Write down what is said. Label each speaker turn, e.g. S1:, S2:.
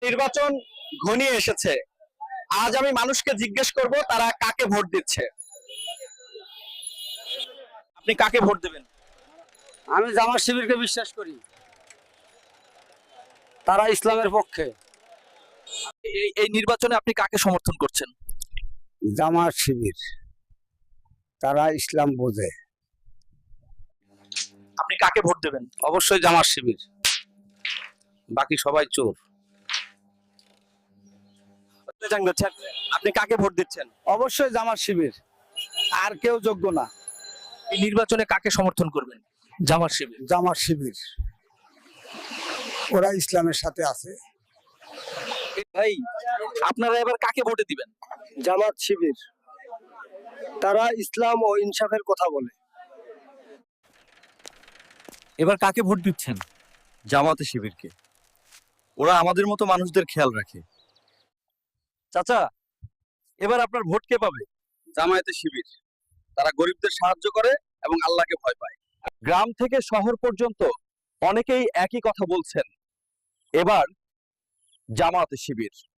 S1: নির্বাচন ঘনিয়ে এসেছে। আজ আমি মানুষকে জিজ্ঞেস করব তারা কাকে ভোট দিচ্ছে। আপনি কাকে ভোট দেবেন?
S2: আমি জামাত শিবিরকে বিশ্বাস করি, তারা ইসলামের পক্ষে।
S1: এই নির্বাচনে আপনি কাকে সমর্থন করছেন?
S2: জামাত শিবির, তারা ইসলাম বোঝে।
S1: আপনি কাকে ভোট দেবেন?
S2: অবশ্যই জামাত শিবির, বাকি সবাই চোর।
S1: আপনি কাকে ভোট দিচ্ছেন?
S2: অবশ্যই জামাত শিবির, আর কেউ যোগ্য না।
S1: এই নির্বাচনে কাকে সমর্থন করবেন? জামাত শিবির।
S2: জামাত শিবির, ওরা ইসলামের সাথে আছে।
S1: ভাই, আপনারা এবার কাকে ভোটে দিবেন?
S2: জামাত শিবির, তারা ইসলাম ও ইনসাফের কথা বলে।
S1: এবার কাকে ভোট দিচ্ছেন?
S3: জামাতে শিবিরকে। ওরা আমাদের মতো মানুষদের খেয়াল রাখে।
S1: চাচা, এবার আপনার ভোট কে পাবে?
S3: জামায়াতে শিবির, তারা গরিবদের সাহায্য করে এবং আল্লাহকে ভয় পায়।
S1: গ্রাম থেকে শহর পর্যন্ত অনেকেই একই কথা বলছেন, এবার জামাতে শিবির।